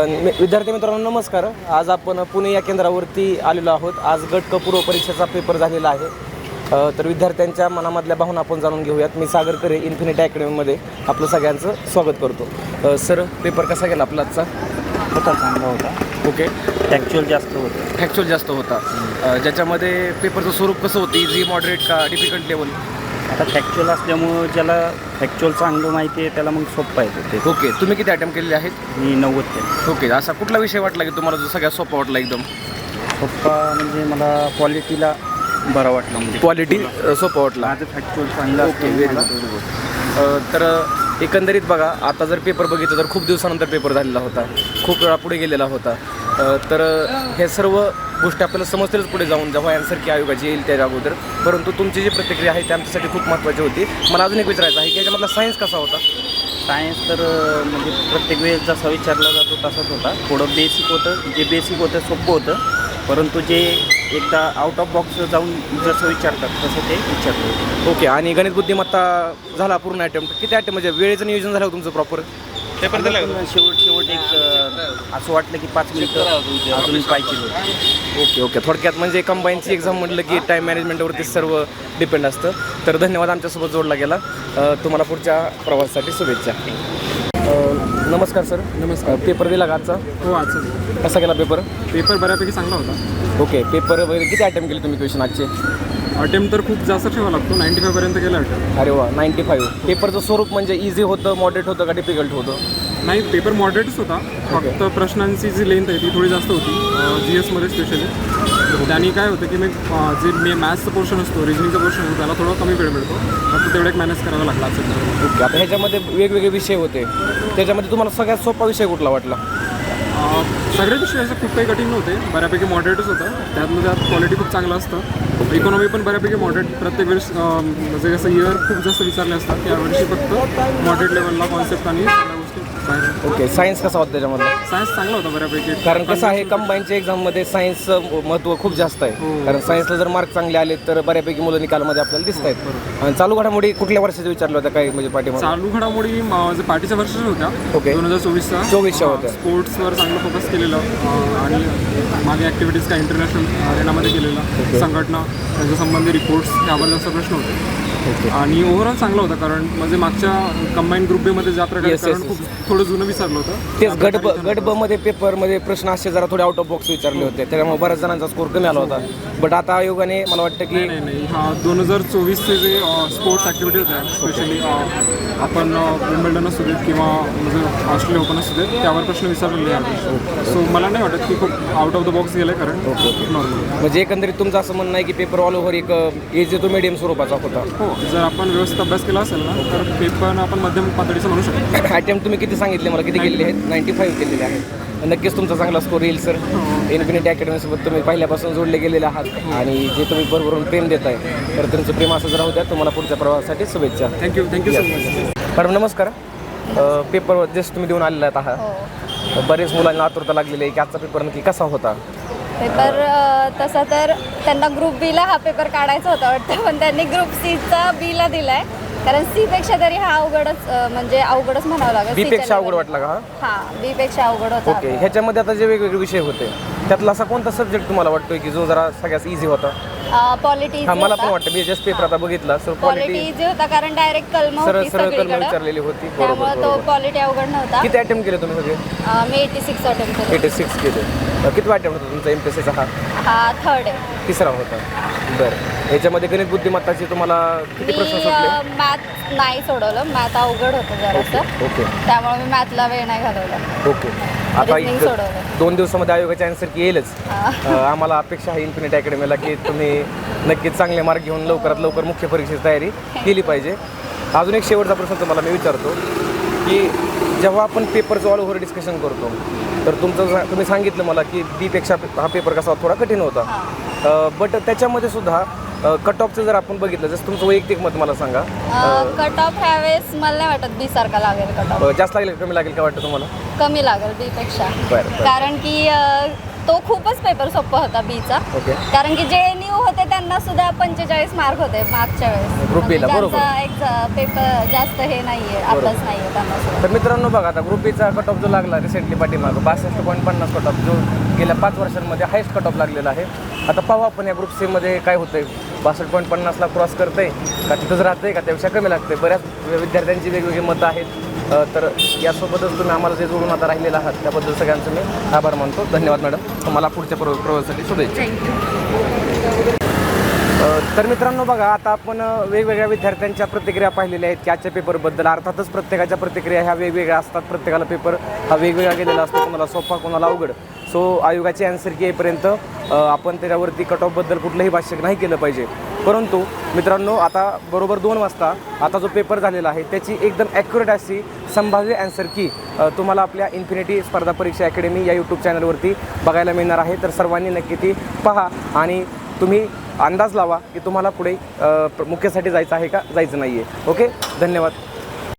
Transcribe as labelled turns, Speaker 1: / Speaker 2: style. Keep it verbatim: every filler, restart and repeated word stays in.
Speaker 1: विद्यार्थी मित्रांनो नमस्कार. आज आपण पुणे या केंद्रावरती आलेलो आहोत. आज गट क पूर्व परीक्षेचा पेपर झालेला आहे. तर विद्यार्थ्यांच्या मनामधल्या भावना आपण जाणून घेऊयात. मी सागर करे इन्फिनिटी अकॅडमीमध्ये आपलं सगळ्यांचं स्वागत करतो. सर, पेपर कसा गेला आपला आजचा?
Speaker 2: होता, चांगला होता.
Speaker 1: ओके.
Speaker 2: फॅक्च्युअल जास्त होतं.
Speaker 1: फॅक्च्युअल जास्त होता. ज्याच्यामध्ये पेपरचं स्वरूप कसं होतं? इझी, मॉडरेट का डिफिकल्ट लेवल?
Speaker 2: आता फॅक्च्युअल असल्यामुळं ज्याला फॅक्च्युअल चांगलं माहिती आहे त्याला मग सोपं आहे ते.
Speaker 1: ओके. तुम्ही किती अटेम्प्ट केलेले आहेत?
Speaker 2: मी नव्वद केलं.
Speaker 1: ओके. असा कुठला विषय वाटला की तुम्हाला जो सगळ्यात सोपा वाटला एकदम?
Speaker 2: सोपा म्हणजे मला क्वालिटीला बरा वाटला. म्हणजे
Speaker 1: क्वालिटी सोपं वाटला.
Speaker 2: माझं फॅक्च्युअल चांगलं.
Speaker 1: Okay, very good. तर एकंदरीत बघा, आता जर पेपर बघितलं तर खूप दिवसानंतर पेपर झालेला होता, खूप वेळा पुढे गेलेला होता. तर हे सर्व गोष्टी आपल्याला समजतीलच पुढे जाऊन, जेव्हा आन्सर की आयोगाची येईल त्याच्या अगोदर. परंतु तुमची जी प्रतिक्रिया आहे ती आमच्यासाठी खूप महत्त्वाची होती. मला अजून एक विचारायचं आहे की याच्यामधला सायन्स कसा होता?
Speaker 2: सायन्स तर म्हणजे प्रत्येक वेळेस जसा विचारला जातो तसाच होता. थोडं बेसिक होतं, जे बेसिक होतं सोपं होतं, परंतु जे एकदा आउट ऑफ बॉक्स जाऊन जसं विचारतात तसं ते विचारलं होतं.
Speaker 1: ओके. आणि गणित बुद्धिमत्ता झाला पूर्ण अटेम्प्ट? किती अटेम्प्ट म्हणजे वेळेचं नियोजन झालं तुमचं प्रॉपर?
Speaker 2: पेपर दिला शेवट शेवट एक असं वाटलं की पाच मिनिटं अजून पाहिजे होतं.
Speaker 1: Okay okay. थोडक्यात म्हणजे कंबाईनची एक्झाम म्हटलं की टाईम मॅनेजमेंटवरती सर्व डिपेंड असतं. तर धन्यवाद, आमच्यासोबत जोडला गेला. तुम्हाला पुढच्या प्रवासासाठी शुभेच्छा. नमस्कार सर.
Speaker 3: नमस्कार.
Speaker 1: पेपर दिला का आजचा?
Speaker 3: हो, आजचा
Speaker 1: कसा गेला पेपर?
Speaker 3: पेपर बऱ्यापैकी चांगला होता.
Speaker 1: ओके. पेपर वगैरे किती अटेम्प्ट केले तुम्ही क्वेश्चन आजचे?
Speaker 3: अटेम्प्ट तर खूप जास्त ठेवा लागतो, नाईंटी फायपर्यंत गेला अटेम्प्ट.
Speaker 1: अरे वा, नाईंटी फाईव्ह. पेपरचं स्वरूप म्हणजे इझी होतं, मॉडरेट होतं का डिफिकल्ट होतं?
Speaker 3: नाही, पेपर मॉडरेटच होता. फक्त प्रश्नांची जी लेंथ आहे ती थोडी जास्त होती, जी एसमध्ये स्पेशली. त्याने काय होतं की मी जे मे मॅथ्सचं पोर्शन असतो, रिजनिंगचं पोर्शन असतो, त्याला थोडा कमी वेळ मिळतो. फक्त तेवढं एक मॅनेज करावं लागला असेल.
Speaker 1: ओके. आता ह्याच्यामध्ये वेगवेगळे विषय होते, त्याच्यामध्ये तुम्हाला सगळ्यात सोपा विषय कुठला वाटला?
Speaker 3: सगळे विषय असं खूप काही कठीण नव्हते, बऱ्यापैकी मॉडरेटच होतं. त्यातलं त्यात क्वालिटी खूप चांगलं असतं. इकॉनॉमी पण बऱ्यापैकी मॉडरेट. प्रत्येक वेळेस म्हणजे कसं इयर खूप जास्त विचारले असतात, यावर्षी फक्त मॉडरेट लेवलला कॉन्सेप्ट आणि सगळ्या गोष्टी बाहेर.
Speaker 1: ओके. सायन्स कसा होता त्याच्यामध्ये?
Speaker 3: सायन्स चांगला होता बऱ्यापैकी.
Speaker 1: कारण कसं आहे, कंबाईनच्या एक्झाममध्ये सायन्सचं महत्त्व खूप जास्त आहे. कारण सायन्सला जर मार्क चांगले आले तर बऱ्यापैकी मुलं निकालामध्ये आपल्याला दिसत आहेत. आणि चालू घडामोडी कुठल्या वर्षाचं विचारलं होतं काय म्हणजे पाठीमागे?
Speaker 3: चालू घडामोडी जे पार्टीच्या वर्षाच्या होत्या.
Speaker 1: ओके.
Speaker 3: दोन हजार चोवीसचा
Speaker 1: चोवीसच्या होत्या.
Speaker 3: स्पोर्ट्सवर चांगलं फोकस केलेलं आणि मागे ॲक्टिव्हिटीज काय इंटरनॅशनल अरेनामध्ये केलेलं, संघटना त्यांच्या संबंधी रिपोर्ट्स यावर जास्त प्रश्न होते. आणि ओव्हरऑल चांगला होता. कारण म्हणजे मागच्या कंबाईन ग्रुप बी मध्ये ज्या प्रकारे कारण खूप थोडं जुनं विचारलं होतं.
Speaker 1: तेच गट ब गट ब मध्ये पेपरमध्ये प्रश्न असे जरा थोडे आउट ऑफ बॉक्स विचारले होते, त्याच्यामुळे बऱ्याच जणांचा स्कोर कमी आला होता. बट आता आयोगाने मला वाटतं की
Speaker 3: नाही नाही हा दोन हजार चोवीसचे जे स्पोर्ट्स ॲक्टिव्हिटी होत्या, स्पेशली आपण विम्बल्डन असू देत किंवा म्हणजे ऑस्ट्रेलिया ओपन असू देत, त्यावर प्रश्न विचारलेले आहेत. सो मला नाही वाटत की खूप आउट ऑफ द बॉक्स गेलं. कारण नॉर्मल
Speaker 1: म्हणजे एकंदरीत तुमचं असं म्हणणं आहे की पेपर ऑल ओव्हर एक एज तो मीडियम स्वरूपाचा होता?
Speaker 3: हो, जर आपण व्यवस्थित अभ्यास केला असेल ना तर पेपर आपण मध्यम पातळीचं म्हणू शकतो.
Speaker 1: अटेम्प्ट तुम्ही किती सांगितले मला? किती केलेले आहेत? नाईंटी फाईव्ह केलेले आहेत. नक्कीच तुमचा चांगला स्कोर येईल सर. इन्फिनिटी अकॅडमीसोबत तुम्ही पहिल्यापासून जोडले गेलेले आहात आणि जे तुम्ही भरभरून प्रेम देत आहे, तर तुमचं प्रेम असं राहू द्या. तुम्हाला पुढच्या प्रवासासाठी शुभेच्छा.
Speaker 3: Thank you thank you so much.
Speaker 1: Madam नमस्कार. पेपर जस्ट तुम्ही देऊन आलेला आहात. बरेच मुलांना आतुरता लागलेली आहे की आजचा पेपर नक्की कसा होता?
Speaker 4: पेपर तसा तर त्यांना ग्रुप बीला हा पेपर काढायचा होता वाटतं, पण त्यांनी ग्रुप सीचा बीला दिला आहे. कारण सीपेक्षा तरी हा अवघडच म्हणजे अवघडच म्हणावं लागेल.
Speaker 1: बी पेक्षा अवघड वाटला का?
Speaker 4: हा, बी पेक्षा अवघड होता.
Speaker 1: ओके. ह्याच्यामध्ये आता जे वेगवेगळे विषय होते त्यातला असा कोणता सब्जेक्ट तुम्हाला वाटतोय की जो जरा सगळ्यात इझी होता?
Speaker 4: पॉलिटी.
Speaker 1: हा, मला पण वाटतं. मी जस्ट पेपर आता बघितला सर,
Speaker 4: पॉलिटी इझी होता कारण डायरेक्ट कलम
Speaker 1: सरळ
Speaker 4: होती
Speaker 1: सरळ कलम
Speaker 4: सगळीकडे,
Speaker 1: विचारलेली होती.
Speaker 4: त्यामुळे तो
Speaker 1: बरोबर.
Speaker 4: पॉलिटी अवघड नव्हता.
Speaker 1: किती अटेम्प्ट केले तुम्ही सगळे?
Speaker 4: मी एटी सिक्स अटेम्प्ट केले.
Speaker 1: एटी सिक्स केले. किती अटेम्प्ट होता तुमचा एमपीएससीचा? हा
Speaker 4: हा थर्ड आहे.
Speaker 1: तिसरा होता. बरं. याच्यामध्ये गणित बुद्धिमत्ताची तुम्हाला किती प्रश्न
Speaker 4: मी
Speaker 1: सुटले?
Speaker 4: मॅथ नाही सोडवलं, मॅथ अवघड होतं जरासं.
Speaker 1: ओके.
Speaker 4: त्यामुळे मी मॅथला वेळ नाही घालवला.
Speaker 1: ओके. आता
Speaker 4: Reasoning
Speaker 1: एक
Speaker 4: सोडवलं.
Speaker 1: दोन दिवसामध्ये आयोगाची आन्सर की येईलच. अ, आम्हाला अपेक्षा आहे इन्फिनिटी अकॅडमीला की तुम्ही नक्कीच चांगले मार्क घेऊन लवकरात लवकर मुख्य परीक्षेची तयारी केली पाहिजे. अजून एक शेवटचा प्रश्न तुम्हाला मी विचारतो की जेव्हा आपण पेपरचं ऑल ओव्हर डिस्कशन करतो तर तुमचं तुम्ही सांगितलं मला की बीपेक्षा हा पेपर कसा थोडा कठीण होता, बट त्याच्यामध्ये सुद्धा कट ऑफचं जर आपण बघितलं, जसं तुमचं वैयक्तिक मत मला सांगा.
Speaker 4: कट ऑफ ह्यावेळेस मला नाही वाटत बी सारखा लागेल. कट ऑफ
Speaker 1: जास्त लागेल कमी लागेल का वाटतं तुम्हाला?
Speaker 4: कमी लागेल बी पेक्षा.
Speaker 1: बरं.
Speaker 4: कारण की अ, तो तो खूपच पेपर सोपा होता बीचा.
Speaker 1: ओके.
Speaker 4: कारण की जे न्यू होते त्यांना सुद्धा पंचेचाळीस मार्क होते मागच्या वेळेस.
Speaker 1: Group B ला, बरोबर.
Speaker 4: त्यांचा एक पेपर जास्त हे नाहीये, अभ्यास नाहीये त्यांना सुद्धा.
Speaker 1: तर मित्रांनो बघा, आता ग्रुप बीचा कट ऑफ जो लागला रिसेंटली पाठीमागं बासष्ट पॉईंट पन्नास कट ऑफ, जो गेल्या पाच वर्षांमध्ये हायस्ट कट ऑफ लागलेला आहे. आता पाहू आपण या ग्रुप सीमध्ये काय होतंय. बासष्ट पॉईंट पन्नासला क्रॉस करतंय का तिथंच राहतंय का त्यापेक्षा कमी लागतंय. बऱ्याच विद्यार्थ्यांची वेगवेगळी मतं आहेत. अ, तर यासोबतच तुम्ही आम्हाला जे जोडून आता राहिलेला आहात त्याबद्दल सगळ्यांचं मी आभार मानतो. धन्यवाद मॅडम. तुम्हाला पुढच्या प्रव प्रवासासाठी शुभेच्छा. अ, तर मित्रांनो बघा, आता आपण अ, वेगवेगळ्या विद्यार्थ्यांच्या प्रतिक्रिया पाहिलेल्या आहेत की आजच्या पेपरबद्दल. अर्थातच प्रत्येकाच्या प्रतिक्रिया ह्या वेगवेगळ्या असतात. प्रत्येकाला पेपर हा वेगवेगळा गेलेला असतो, कोणाला सोपा कोणाला अवघड. सो आयोगाची ॲन्सर की येईपर्यंत अ, आपण त्याच्यावरती कट ऑफबद्दल कुठलंही भाष्य नाही केलं पाहिजे. परंतु मित्रांनो, आता बरोबर दोन वाजता आता जो पेपर झालेला आहे त्याची एकदम ॲक्युरेट अशी संभाव्य ॲन्सर की अ, तुम्हाला आपल्या इन्फिनिटी स्पर्धा परीक्षा अकॅडमी या यूट्यूब चॅनलवरती बघायला मिळणार आहे. तर सर्वांनी नक्की ती पहा आणि तुम्ही अंदाज लावा की तुम्हाला पुढे अ, मुख्यसाठी जायचं आहे का जायचं नाही आहे. ओके, धन्यवाद.